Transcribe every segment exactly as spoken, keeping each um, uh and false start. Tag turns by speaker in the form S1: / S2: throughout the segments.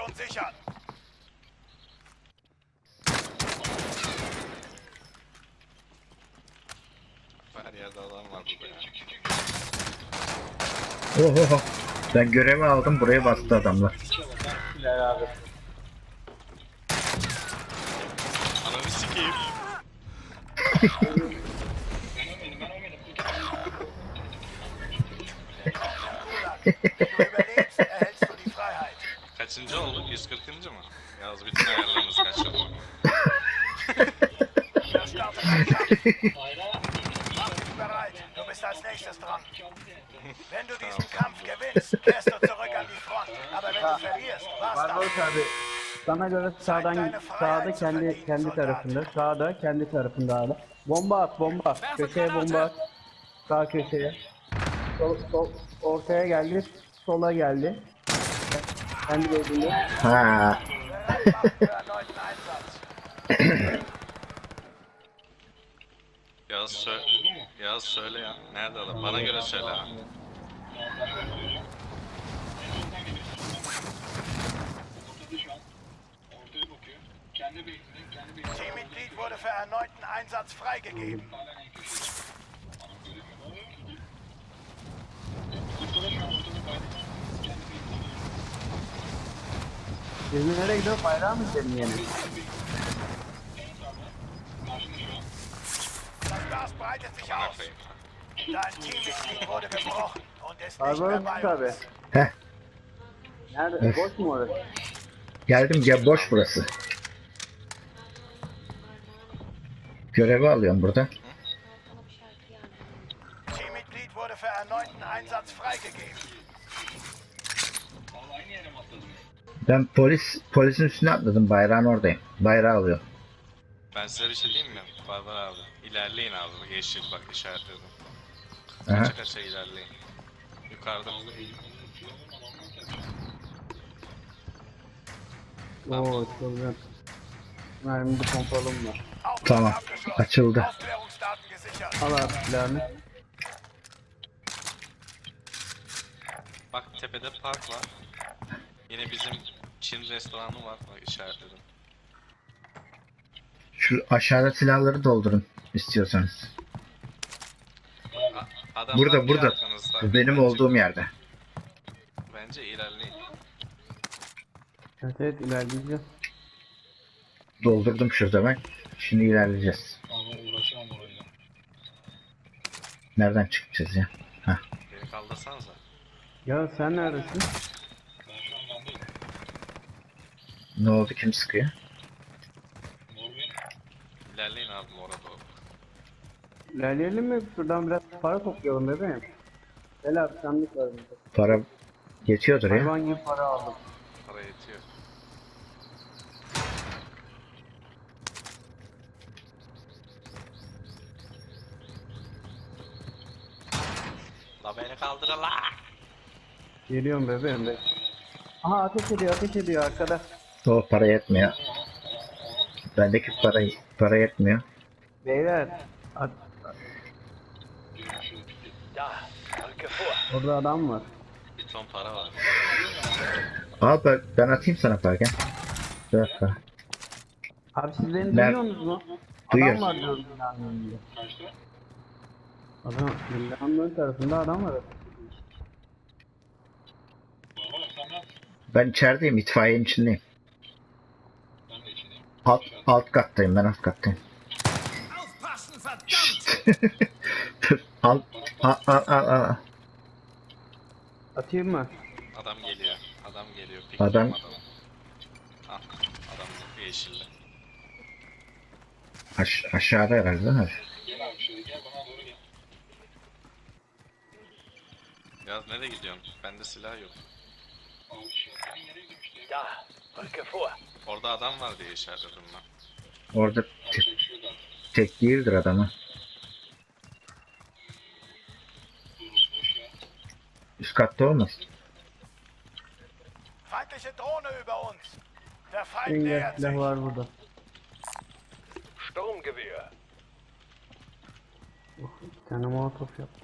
S1: und sichern.
S2: Her yerde adam var burada ya.
S3: Oho. Ben görevi aldım, buraya bastı adamlar.
S4: Güzel abi.
S2: Ananı sikeyim.
S1: Wenn du überlebst, erhältst du die Freiheit.
S2: Kaçıncı olduk? yüz kırkıncı mı? Yalnız bütün ayarlarımız kaçırdı.
S1: Der startet ein Kampf. Mach dich bereit, du bist als nächstes dran. Wenn du diesen Kampf gewinnst, kehrst du zurück an die Front. Aber wenn du verlierst, war's das.
S4: Barbaros abi. Sana göre sağdan sağda kendi kendi tarafında. Sağda kendi tarafında abi. Bomba at bomba. Köşeye bomba at. Sağ köşeye. Sol, sol, ortaya geldi. Sola geldi. Kendi gözünde.
S3: Ha.
S1: Bereit machen für erneuten Einsatz.
S2: Yaz söyle. Yaz söyle ya. Nerede adam? Bana göre söyle ha.
S1: Teammitglied wurde für erneuten Einsatz freigegeben.
S4: Biz nereye gidiyor? Bayrağı mı gidelim yine?
S1: Das Gas breitet sich
S2: Bana
S1: aus.
S2: koyayım.
S1: Dein Teammitglied wurde gebrochen und ist nicht
S4: Barbaros
S1: mehr bei
S4: abi.
S1: uns.
S3: Heh.
S4: Nerede? Boş mu orası?
S3: Geldim ya, boş burası. Görevi alıyorum burada.
S1: Teammitglied wurde für erneuten Einsatz freigegeben.
S3: Ben polis polisin üstüne atladım, bayrağın oradayım. Bayrağı alıyor.
S2: Ben size bir şey diyeyim mi? Barbar abi. İlerleyin abi. Yeşil bak işaretledim.
S3: Aha.
S2: Kaça kaça ilerleyin. Yukarıda.
S4: Oo çok güzel. Mermide pompalım var.
S3: Tamam,
S1: Abgeschlossen.
S3: açıldı.
S1: Aufklärungsdaten gesichert.
S4: Al abi silahını.
S2: Bak tepede park var. Yine bizim Çin restoranı var. Bak işaretledim.
S3: Şu aşağıda silahları doldurun istiyorsanız.
S2: A- adamlar
S3: Burada,
S2: bir
S3: burada.
S2: arkanızda.
S3: Bu benim
S2: Bence-
S3: olduğum yerde.
S2: Bence ilerleyin.
S4: Evet evet ilerleyeceğiz.
S3: Doldurdum şurada ben. Şimdi ilerleyeceğiz. Nereden çıkacağız ya?
S2: Beni kaldırsanıza.
S4: Ya sen neredesin?
S3: Ne oldu, kim sıkıyor?
S2: İlerleyin abi orada doğru.
S4: İlerleyelim mi? Şuradan biraz para toplayalım bebeğim. Gel abi sandık var burada.
S3: Para yetiyordur ya.
S4: Hayvan gibi para aldım.
S2: Para yetiyor. La beni kaldır la.
S4: Geliyorum bebeğim be. Aha ateş ediyor ateş ediyor arkada.
S3: O para yetmiyor. Bendeki para para yetmiyor.
S4: Beyler. At,
S1: Da, rücke vor.
S4: orada adam var.
S2: Bir ton para var.
S3: Al ben, ben atayım sana para, gel. Bir dakika.
S4: Abi siz beni
S3: Ben-
S4: duyuyorsunuz mu?
S3: Duyuyoruz.
S4: Adam var diyorum binanın önünde. Adam, binanın ön tarafında adam var.
S3: Ben içerideyim, itfaiyenin içindeyim. Alt, alt kattayım, ben alt kattayım. Şşt. Dur, al, al, al, al, al.
S4: Atayım mı?
S2: Adam geliyor. Adam geliyor. Pik
S3: Adam-
S2: adamı. Ah, adam yeşilde.
S3: Aş aşağıda herhalde değil mi?
S2: Ya nereye gidiyorsun? Bende silah yok.
S1: Da, rücke vor.
S2: Orada adam var diye işaretledim ben.
S3: Orada te tek değildir adamı. Üst katta olmasın?
S1: Feindliche Drohne über uns. Der Feind
S4: Engel
S1: nähert
S4: silah
S1: sich.
S4: var burada.
S1: Sturmgewehr.
S4: Oh, bir tane molotof yap.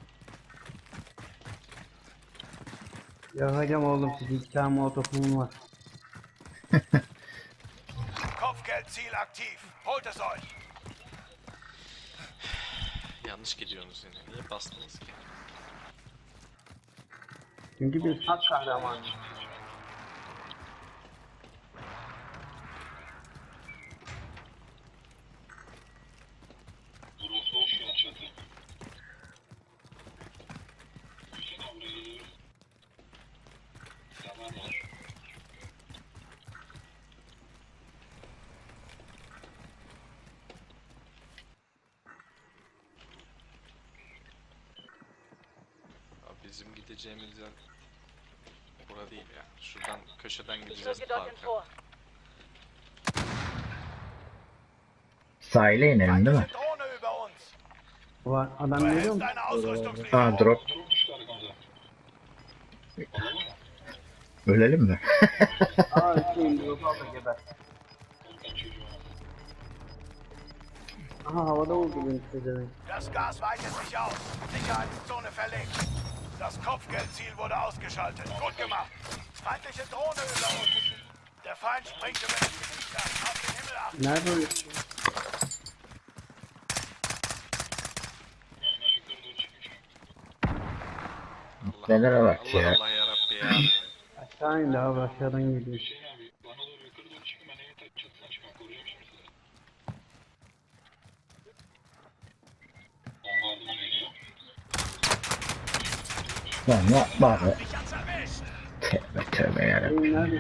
S4: Yakacağım oğlum sizi, iki tane molotofum var.
S1: Kopfgeldziel aktiv. Holt es euch.
S2: Yanlış gidiyorsunuz yine. Niye bastınız ki?
S4: Çünkü biz hak kahramanı.
S2: Abi bizim gideceğimiz yer bura değil ya. Şuradan köşeden
S5: Ich
S2: gideceğiz
S5: rücke dorthin
S2: parka.
S5: vor.
S3: Sahile inelim değil mi?
S1: Feindliche Drohne über uns.
S4: Var. Adam
S1: Du
S4: geliyor
S1: erhältst
S4: mu?
S1: eine
S3: Aa
S1: Ausrüstungslieferung.
S3: drop. Ölelim mi?
S4: Aa şeyim drop al da geber. Aha havada vurdu beni size.
S1: Das Gas weitet sich aus. Sicherheitszone verlegt. Das Kopfgeldziel wurde ausgeschaltet. Gut gemacht. Feindliche Drohne über uns. Der Feind springt über das Gebiet an. Auf den Himmel achten.
S4: Nerede o?
S2: Allah
S3: Nelere bak
S2: Allah,
S3: ya.
S2: Allah yarabbi ya.
S4: Aşağı indi abi aşağıdan geliyor.
S3: Lan yapma be.
S1: Dich hat's erwischt.
S3: Tövbe tövbe yarabbim.
S4: Şeyim nerede?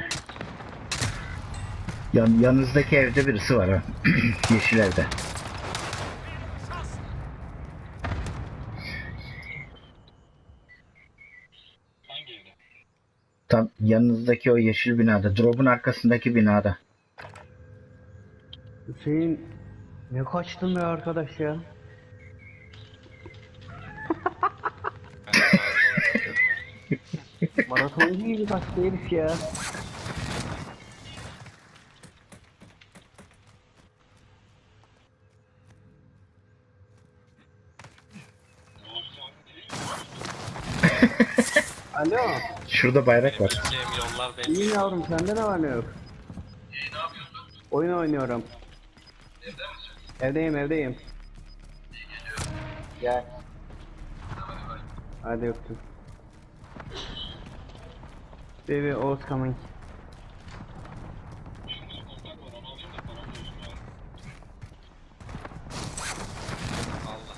S3: Yan, yanınızdaki evde birisi var ha. Yeşil evde. Tam yanınızdaki o yeşil binada. Drop'un arkasındaki binada.
S4: Hüseyin ne kaçtın be arkadaş ya?
S2: Ben de fazla oynuyorum ya.
S4: Maratoncu gibi kaçtı herif ya. Alo.
S3: Şurada bayrak var.
S2: Gideceğim yollar belli.
S4: İyi yavrum sende ne var ne yok? Oyun oynuyorum. Evdeyim evdeyim. Gel. Hadi öptüm. Baby Oğuz coming.
S2: Allah.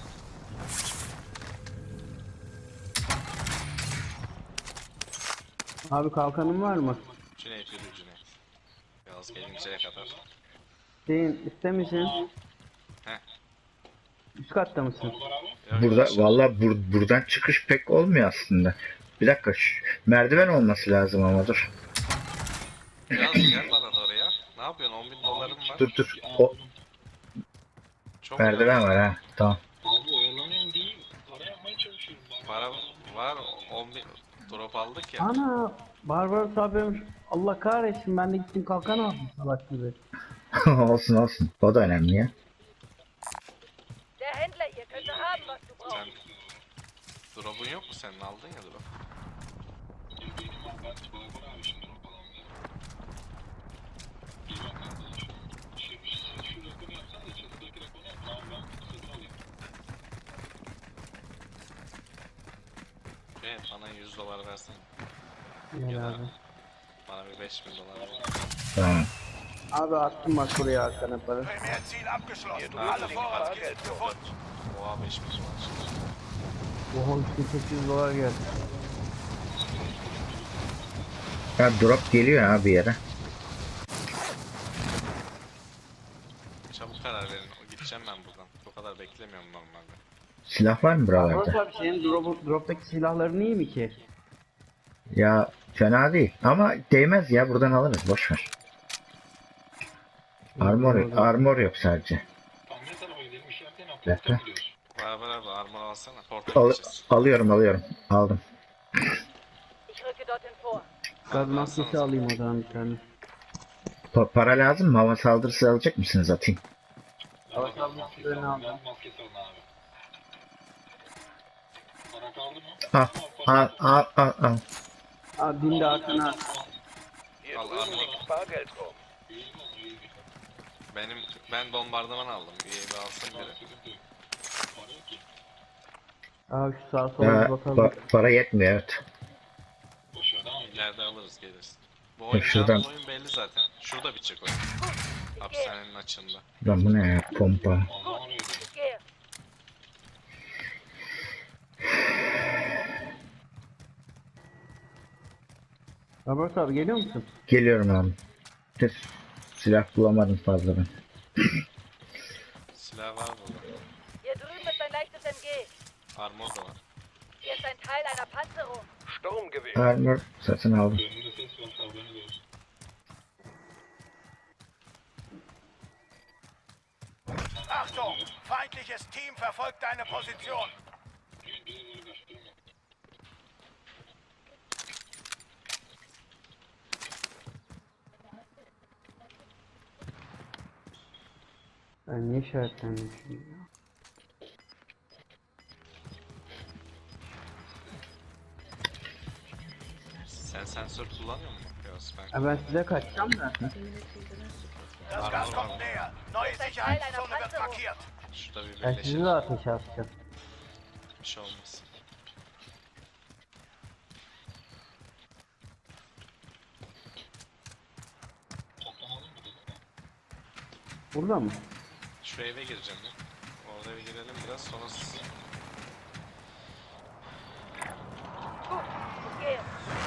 S4: Abi kalkanın var mı?
S2: Cüneyt yürü Cüneyt. Yaz gelinceye kadar.
S4: Şeyin iste misin?
S2: Heh.
S4: Üst katta mısın?
S2: Yok,
S3: Burada
S2: yok,
S3: valla bur- buradan çıkış pek olmuyor aslında. Bir dakika şu merdiven olması lazım ama dur.
S2: Yaz gel bana da oraya. Ne yapıyorsun? on bin dolarım var.
S3: Dur dur. O
S2: Çok
S3: merdiven
S2: yaz.
S3: var ha. Tamam.
S2: Para var. on bin drop aldık ya.
S4: Ana Barbaros abim Allah kahretsin ben de gittim kalkan aldım salak gibi.
S3: olsun olsun. O da önemli ya.
S5: Der Händler, ihr könnt haben, was du brauchst.
S2: Sen drop'un yok mu senin? Aldın ya drop. Evet, bana yüz dolar versene.
S4: Gel
S2: Ya da
S4: abi.
S2: bana bir beş bin dolar ver.
S3: Tamam.
S4: Abi attım bak buraya arkana para.
S1: Primärziel abgeschlossen.
S2: Ja,
S1: Alle
S2: du-
S1: Vorratskisten gefunden.
S2: Oha beş bin dolar.
S4: Oha üç bin sekiz yüz dolar geldi.
S3: Ya drop geliyor ha bir yere.
S2: Çabuk karar verin. O gideceğim ben buradan. Bu kadar beklemiyorum normalde.
S3: Silah var mı
S4: Barbaros
S3: buralarda?
S4: abi senin drop, droptaki silahların iyi mi ki?
S3: Ya fena değil. Ama değmez ya. Buradan alırız. Boş ver. Armor, armor yok sadece. Bir dakika.
S2: Beraber abi armor alsana. Portal
S3: Al-
S2: gideceğiz.
S3: alıyorum alıyorum. Aldım.
S5: Ich rücke dorthin vor.
S4: Gaz maskesi alayım o zaman bir tane.
S3: Pa- para lazım mı? Hava saldırısı alacak mısınız? Atayım.
S4: Hava saldırılarını aldım.
S3: Al al al al al.
S4: Abi bin de arkana.
S2: Al Al armor.
S1: Bargeld um.
S2: Benim ben bombardıman aldım. İyi bir alsın biri.
S4: Abi şu sağa sola
S3: Ya,
S4: bir bakalım.
S3: pa- para yetmiyor evet.
S2: İleride alırız geliriz. Bu
S3: Ya
S2: oyun
S3: şuradan-
S2: canlı oyun belli zaten. Şurada bitecek oyun. Hapishanenin açığında.
S3: Lan bu ne ya pompa.
S5: Ich gehe.
S4: Robert abi geliyor musun?
S3: Geliyorum abi. Tes silah bulamadım fazla ben.
S2: Silah var burada.
S5: Hier drüben ist ein leichtes M G.
S2: Armor da var.
S5: Hier ist ein Teil einer Panzerung.
S1: Sturmgewehr.
S3: Armor satın aldım.
S1: Achtung! Feindliches Team verfolgt deine Position.
S4: Ben niye işaretlendim şimdi ya?
S2: Sen sensör kullanıyor musun? Yok ben.
S4: Ha, ben size kaçacağım da.
S1: Das Gas kommt näher. Neue Sicherheitszone wird markiert.
S2: Şurada bir
S4: Ben sizi
S2: birleşelim.
S4: de ateşe atacağım.
S2: Bir şey olmaz.
S4: Burada mı?
S2: Şu eve gireceğim ya. Orada bir girelim biraz sonra siz...
S5: Gut, ich gehe.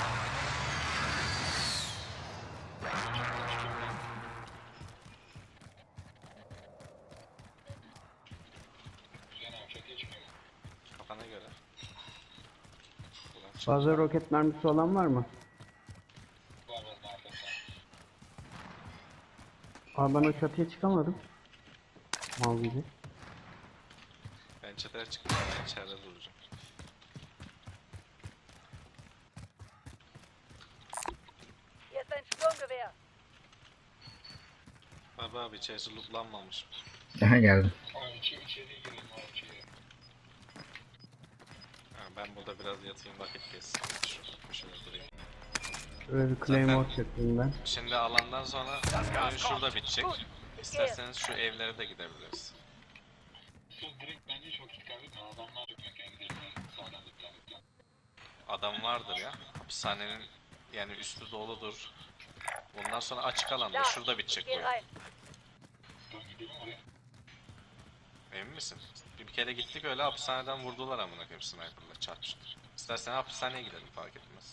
S2: Kafana göre. Ulan çık.
S4: Fazla roket mermisi olan var mı? Abi ben o çatıya çıkamadım. Mal gibi.
S2: Ben çatıya çıktım. Ben içeride duracağım.
S5: Hier ist ein Sturmgewehr.
S2: Baba abi içerisi lootlanmamış.
S3: Aha geldim.
S2: Ha, ben burada biraz yatayım vakit geçsin. Şu köşede durayım.
S4: Böyle bir claymore çektim ben.
S2: Şimdi alandan sonra oyun şurada bitecek. İsterseniz şu evlere de gidebiliriz. Adam vardır ya. Hapishanenin yani üstü doludur. Bundan sonra açık alanda
S5: Da,
S2: şurada
S5: ich
S2: bitecek
S5: gehe
S2: oyun.
S5: rein.
S2: Emin misin? Bir kere gittik öyle hapishaneden vurdular amına koyayım sniper'la çarpıştı. İstersen hapishaneye gidelim fark etmez.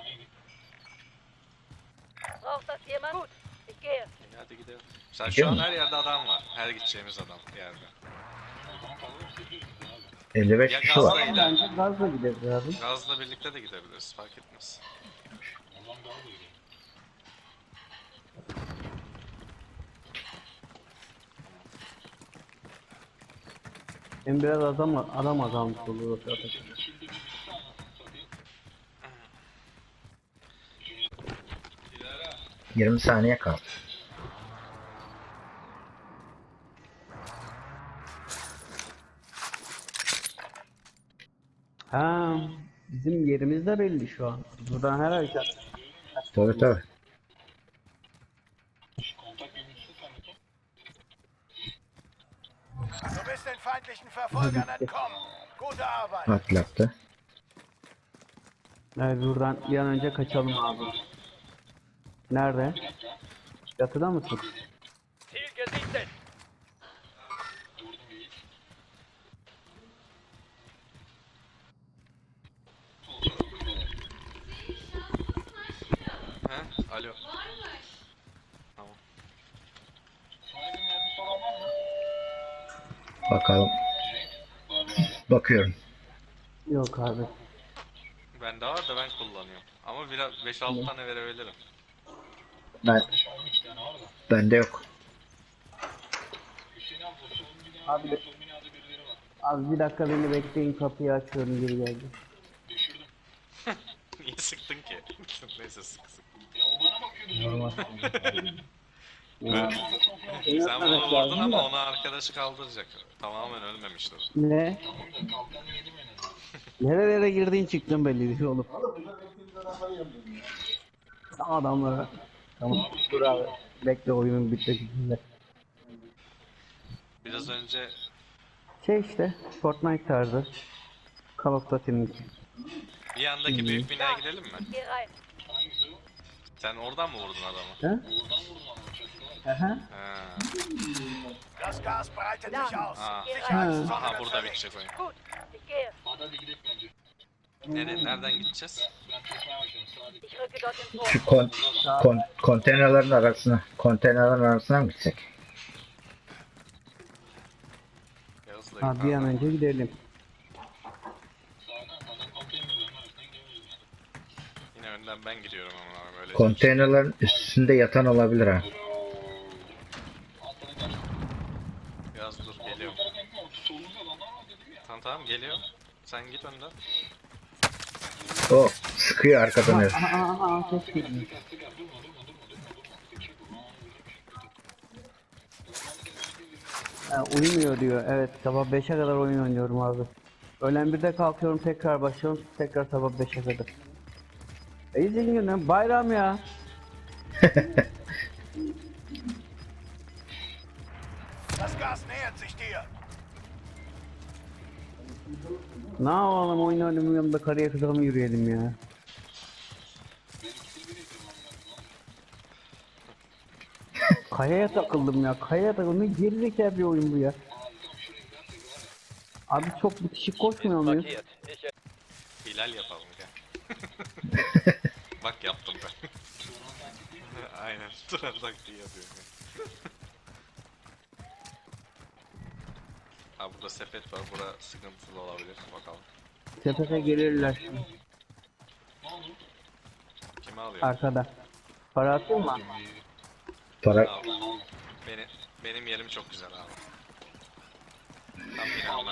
S5: Braucht das jemand? Gut, ich gehe.
S2: İyi, hadi gidelim. Mesela
S3: Gidiyor
S2: şu an
S3: mu?
S2: her yerde adam var. Her gideceğimiz adam bir yerde.
S3: elli beş
S2: Ya
S3: kişi
S2: gazla
S3: var.
S2: gidelim.
S4: Bence gazla gideriz abi.
S2: Gazla birlikte de gidebiliriz fark etmez.
S4: Hem biraz adam adam azalmış olur zaten.
S3: yirmi saniye kaldı.
S4: Ha, bizim yerimiz de belli şu an. Buradan her hareket.
S3: Tabii tabii.
S1: Du bist den feindlichen Verfolgern entkommen. Gute Arbeit.
S3: Atlattı.
S4: Evet, buradan bir an önce kaçalım abi. Nerede? Yatıda mısın?
S1: Ziel gesichtet.
S2: He? Alo. Tamam.
S3: Bakalım. Bakıyorum.
S4: Yok abi.
S2: Bende var da ben kullanıyorum. Ama biraz beş altı tane verebilirim.
S3: Ben bende yok.
S4: Abi, abi bir dakika beni bekleyin, kapıyı açıyorum, geri geldim.
S2: Niye sıktın ki? Neyse sık sık.
S4: Normal.
S2: Sen bunu vurdun ama ona arkadaşı kaldıracak. Tamamen ölmemişti o.
S4: Ne? Nerelere girdiğin çıktın belli değil oğlum. Adamlara. Tamam. Dur abi. Bekle oyunun bitmesinde.
S2: Biraz önce
S4: Şey işte Fortnite tarzı. Call of Duty'nin.
S2: bir yandaki büyük binaya gidelim mi?
S5: Geh rein.
S2: Sen oradan mı vurdun adamı?
S4: Ha? Aha.
S2: Ha.
S1: Das Gas breitet
S5: Da.
S1: sich aus.
S2: Ah.
S1: Sicherheitszone
S2: Aha
S1: wird
S2: burada
S1: verlegt.
S2: bitecek oyun.
S5: Gut, ich gehe.
S2: Nereye, nereden gideceğiz?
S5: Ich rücke dort ins
S3: Şu
S5: Vor.
S3: kon, kon, konteynerlerin arasına, konteynerlerin arasına mı gitsek?
S2: Yağız'la
S4: Ha, bir an
S2: yukarıdan.
S4: önce gidelim.
S2: Yine önden ben gidiyorum ama öyle.
S3: Konteynerlerin üstünde yatan olabilir ha.
S2: Yağız dur geliyorum. Tamam tamam geliyorum. Sen git önden.
S3: O sıkıyor arkadan herif.
S4: Aha aha aha ses geliyor. Ha, uyumuyor diyor. Evet sabah beşe kadar oyun oynuyorum abi. Öğlen birde kalkıyorum tekrar başlıyorum tekrar sabah beşe kadar. İyi günü bayram ya.
S1: Das Gas nähert sich dir.
S4: Ne yapalım oyun oynamanın yanında karıya kıza mı yürüyelim ya? Kayaya takıldım ya. Kayaya takıldım. Ne gerizekalı bir oyun bu ya. Abi çok bitişik koşmuyor muyuz?
S2: Hilal yapalım gel. Bak yaptım ben. Aynen. Duran taktiği yapıyorum. Ha burada sepet var. Bura sıkıntılı olabilir. Bakalım.
S4: Sepete gelirler şimdi.
S2: Kimi alıyor?
S4: Arkada. Para atayım mı?
S3: Para
S2: Abi. Beni, benim yerim çok güzel abi. Tam binamda.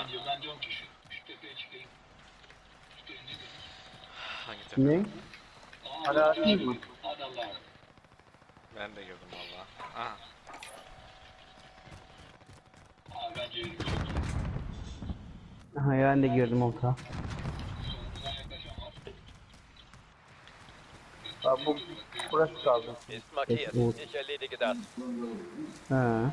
S2: Hangi tepe?
S4: Ne? Para atayım mı?
S2: Ben de gördüm valla. Aha.
S4: Aha ben de girdim orta. Abi bu burası kaldı.
S6: Ist markiert.
S4: Gut.
S6: Ich erledige das.
S4: Ha.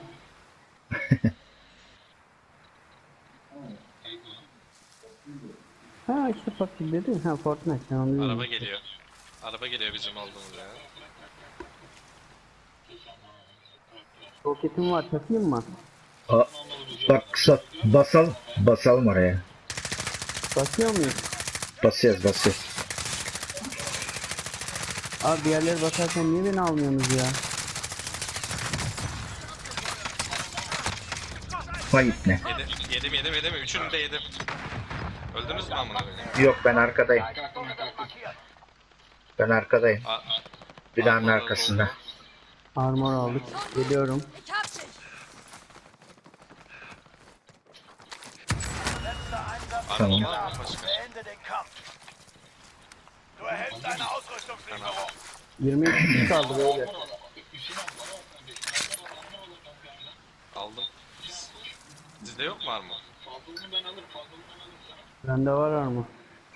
S4: Ha işte fakir dedin. Ha Fortnite sen onu
S2: Araba geliyor. Araba geliyor bizim olduğumuz yere.
S4: Roketim var takayım mı?
S3: A, bak sa- basalım. Basalım oraya.
S4: Basıyor muyuz?
S3: Basıyoruz basıyoruz.
S4: Abi diğerleri basarken niye beni almıyorsunuz ya?
S3: Vay ne?
S2: Yedim, yedim, yedim, yedim. Üçünü de yedim. Öldünüz mü amına koyayım?
S3: Yok ben arkadayım. Ben arkadayım.
S2: A-
S3: Binanın
S2: Armor
S3: arkasında.
S2: oldu.
S4: Armor aldık. Geliyorum.
S5: Ich hab dich.
S1: Letzter Einsatz.
S2: Armor
S3: Tamam.
S2: var mı başka?
S1: Beende den Kampf. Du erhältst eine Ausrüstungslieferung.
S4: yirmi iki kişi kaldı böyle.
S2: Aldım. Sizde yok mu armor?
S4: Bende var armor.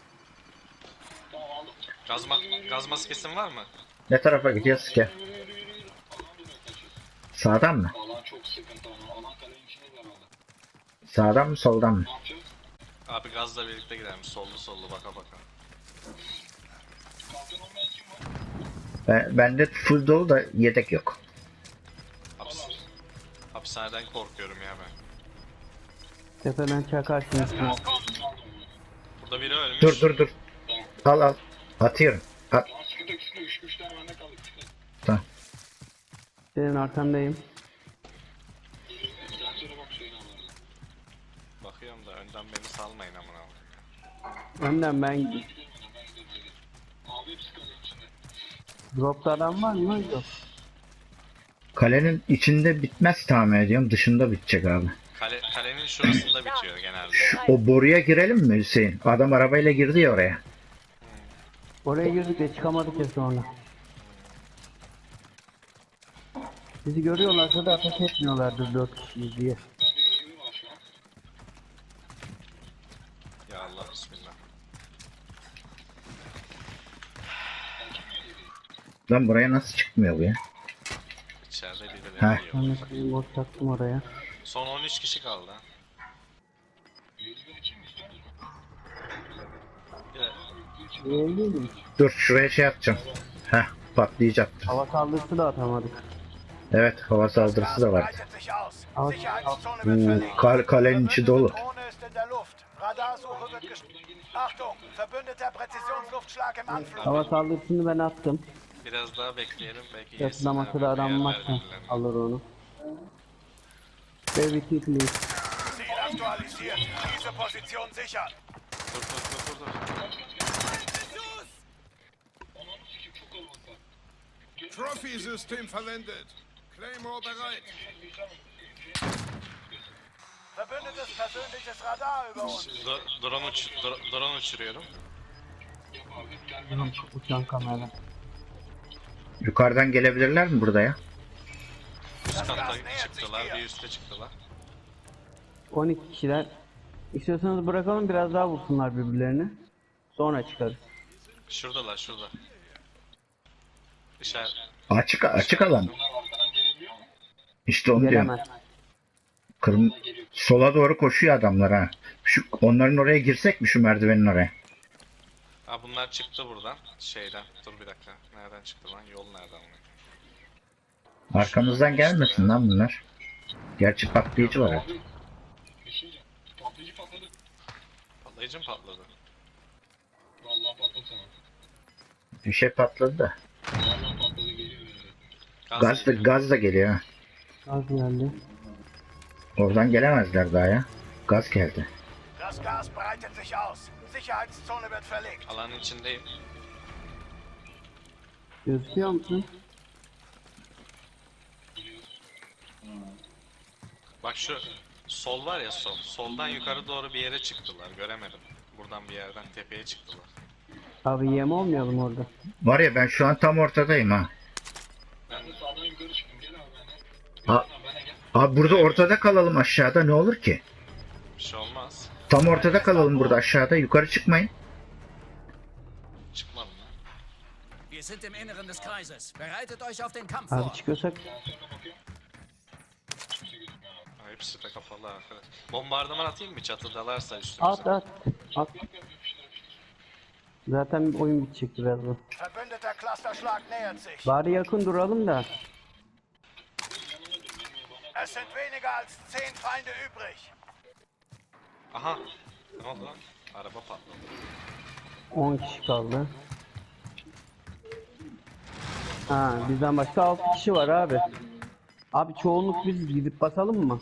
S2: Gaz, ma- gaz maskesin var mı?
S3: Ne tarafa gidiyoruz ki? Sağdan mı? Sağdan mı soldan mı?
S2: Abi gazla birlikte gidelim. Sollu sollu baka baka.
S3: Ben, bende full dolu da yedek yok.
S2: Hapis Hapishaneden korkuyorum ya ben.
S4: Tepeden çakarsınız.
S2: Burada biri ölmüş.
S3: Dur dur dur. Al al. Atıyorum. At. Tamam.
S4: Senin arkandayım.
S2: Bakıyorum da önden beni salmayın amına koyayım.
S4: Önden ben... Dropta adam var mı? Yok.
S3: Kalenin içinde bitmez tahmin ediyorum. Dışında bitecek abi.
S2: Kale, kalenin şurasında bitiyor genelde.
S3: O boruya girelim mi Hüseyin? Adam arabayla girdi ya oraya.
S4: Oraya girdik de çıkamadık ya sonra. Bizi görüyorlarsa da ateş etmiyorlardır dört kişiyiz diye.
S2: Ya Allah bismillah.
S3: Buradan buraya nasıl çıkmıyor bu ya?
S2: İçeride
S3: Ha.
S2: birileri yiyor.
S4: Ben de bir bot taktım oraya.
S2: Son on üç kişi kaldı ha. Bir de
S4: Değil mi?
S3: Dur şuraya şey yapacağım. Heh patlayacaktır.
S4: Hava saldırısı da atamadık.
S3: Evet hava saldırısı da var.
S1: Breitet sich aus.
S4: Aus-
S1: Sicherheitszone wird
S3: Oo,
S1: verlegt.
S3: kal kalenin içi dolu.
S1: Drohne ist in der Luft. Radarsuche wird gest... Achtung! Verbündeter Präzisionsluftschlag im Anflug.
S4: Hava saldırısını ben attım.
S2: biraz daha bekleyelim belki
S4: Yakında
S2: yesinler,
S4: masada
S2: bir
S4: adam
S2: yer
S4: varsa
S2: verirler.
S4: alır onu. Baby kick please.
S1: Ziel aktualisiert. Diese Position sichern.
S2: Dur dur dur dur dur.
S6: Trophy-System verwendet. Claymore bereit.
S1: Verbündetes persönliches Radar über uns.
S2: Dro- drone, uç dro- drone uçuruyorum.
S4: Tamam, uçan kamera.
S3: Yukarıdan gelebilirler mi burada ya?
S2: Üst katta çıktılar, bir üste çıktılar.
S4: on iki kişiler. İstiyorsanız bırakalım biraz daha vursunlar birbirlerini. Sonra çıkarız.
S2: Şuradalar, şurada. İşaret.
S3: Açık açık alan. İşte onu diyorum.
S4: Gelemez.
S3: Kırm sola doğru koşuyor adamlar ha. Şu onların oraya girsek mi şu merdivenin oraya?
S2: Ha bunlar çıktı buradan. Şeyden. Dur bir dakika. Nereden çıktı lan? Yol nereden? Onu?
S3: Arkamızdan gelmesin lan bunlar. Gerçi patlayıcı var artık.
S2: Patlayıcı mı patladı?
S3: Bir şey patladı da.
S2: Gaz
S3: Gaz da,
S2: geliyor.
S3: gaz da geliyor ha.
S4: Az geldi.
S3: Oradan gelemezler daha ya. Gaz geldi.
S1: Das Gas breitet sich aus. Sicherheitszone wird verlegt.
S2: Alanın içindeyim.
S4: Gözüküyor musun?
S2: Bak şu sol var ya sol. Soldan yukarı doğru bir yere çıktılar. Göremedim. Buradan bir yerden tepeye çıktılar.
S4: Abi yem olmayalım orada.
S3: Var ya ben şu an tam ortadayım ha.
S2: Ben
S3: Ha, abi burada ortada kalalım aşağıda ne olur ki?
S2: bir şey olmaz.
S3: Tam ortada kalalım burada aşağıda yukarı çıkmayın.
S2: Çıkmadım lan.
S7: Wir sind im Inneren des Kreises. Bereitet euch auf den Kampf
S4: Abi
S7: vor.
S4: çıkıyorsak
S2: Ha, hepsi de kapalı arkadaş. Bombardıman atayım mı çatıdalarsa üstümüze?
S4: at at. At. Zaten oyun bitecek birazdan.
S1: Verbündeter Clusterschlag nähert sich.
S4: Bari yakın duralım da.
S1: Es sind weniger als zehn Feinde übrig.
S2: Aha. Ne oldu lan? Araba patladı.
S4: on kişi kaldı. Ha bizden başka altı kişi var abi. Abi çoğunluk biz gidip basalım mı?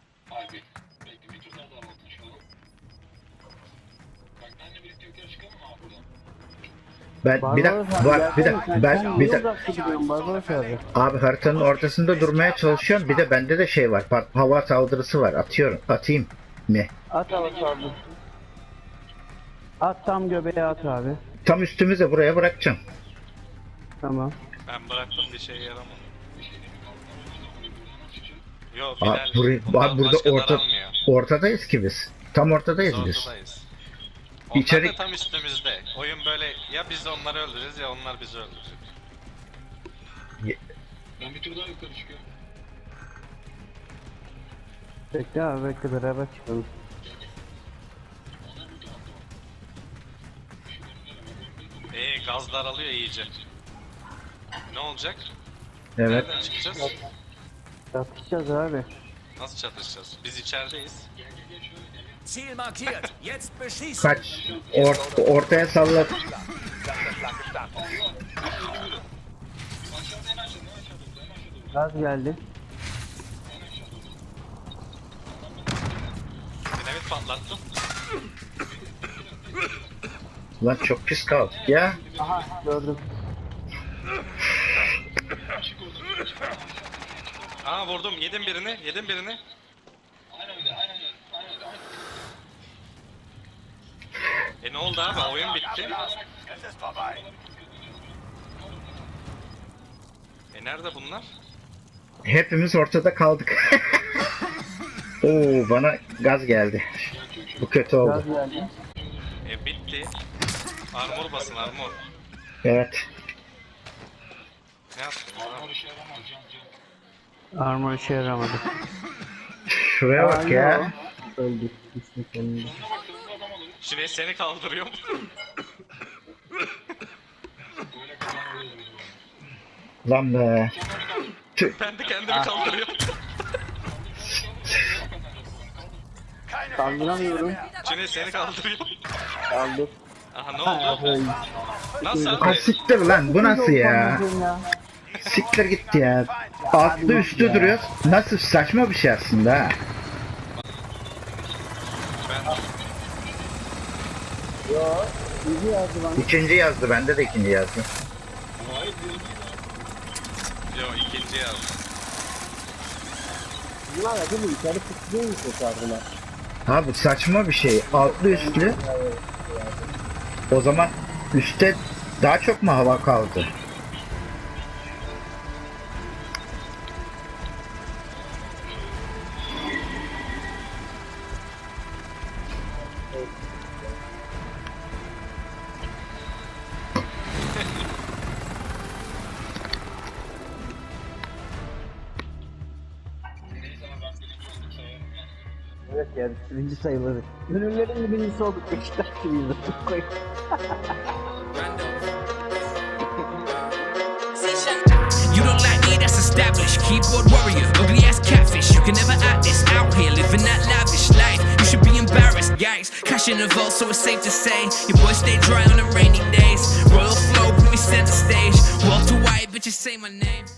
S3: Ben bir
S4: Barbaros
S3: dakika
S4: abi,
S3: var bir
S4: gelsene
S3: dakika
S4: sen.
S3: ben
S4: Sen
S3: bir
S4: niye
S3: dakika
S4: uzakta gidiyorsun Barbaros abi?
S3: abi haritanın ortasında durmaya çalışıyorum. Bir de bende de şey var. pat- Hava saldırısı var. Atıyorum. Atayım mı?
S4: At hava saldırısı. At tam göbeğe at abi.
S3: Tam üstümüze buraya bırakacağım.
S4: Tamam.
S2: Ben bıraktım bir şey yaramadı. Yo
S3: Abi,
S2: Bilal.
S3: burayı,
S2: bundan
S3: abi burada
S2: başka
S3: orta,
S2: daranmıyor.
S3: ortadayız ki biz. Tam ortadayız
S2: Biz
S3: biz.
S2: ortadayız. Onlar
S3: İçeri-
S2: da tam üstümüzde. Oyun böyle ya biz onları öldürürüz ya onlar bizi öldürecek.
S4: Bekle abi bekle beraber çıkalım.
S2: Eee gaz daralıyor iyice. Ne olacak?
S3: Evet.
S2: Nereden çıkacağız?
S4: Çatışacağız abi.
S2: Nasıl çatışacağız? Biz içerideyiz.
S7: Ziel markiert. Jetzt beschießen.
S3: Kaç. Or- ortaya sallat.
S4: Gaz geldi.
S2: Dinamit patlattım.
S3: Lan çok pis kaldık ya.
S4: Aha gördüm.
S2: Aa vurdum. Yedim birini. Yedim birini. E ne oldu abi? Oyun bitti.
S1: Es ist vorbei.
S2: E nerede bunlar?
S3: Hepimiz ortada kaldık. Oo bana gaz geldi. Bu kötü
S4: Gaz
S3: oldu.
S4: geldi.
S2: E bitti. Armor basın armor.
S3: Evet.
S2: Ne yaptın?
S4: Armor işe yaramadı.
S3: Şuraya bak ya.
S4: Öldük. Düştük önünde.
S2: Şimdi seni kaldırıyorum.
S3: Lan be.
S2: Ben de kendimi kaldırıyorum.
S1: Keine
S4: Kaldıramıyorum.
S2: Şimdi seni kaldırıyorum.
S4: Aldık.
S2: Aha ne oldu? Nasıl
S3: Ha
S2: abi?
S3: siktir lan bu nasıl ya?
S4: Ya.
S3: Siktir gitti ya. Altlı üstü duruyoruz. Nasıl saçma bir şey aslında ha.
S2: Ben
S4: Yo. İyi yazdı lan.
S3: İkinci yazdı bende de ikinci yazdı.
S2: yo ikinci yazdım.
S4: Bunlar ya değil mi? İçeri tutuyor mu kurtardılar?
S3: Abi saçma bir şey. Altlı üstlü. O zaman üstte daha çok mu hava kaldı?
S4: Evet yani birinci sayılır. Ürünlerin birincisi olduk. Beşiktaş gibiyiz.
S8: You don't like me, that's established. Keyboard warrior, ugly ass catfish. You can never act this out here, living that lavish life. You should be embarrassed, yikes. Cash in the vault, so it's safe to say your boys stay dry on the rainy days. Royal flow, put me center stage. Walter White, bitches say my name.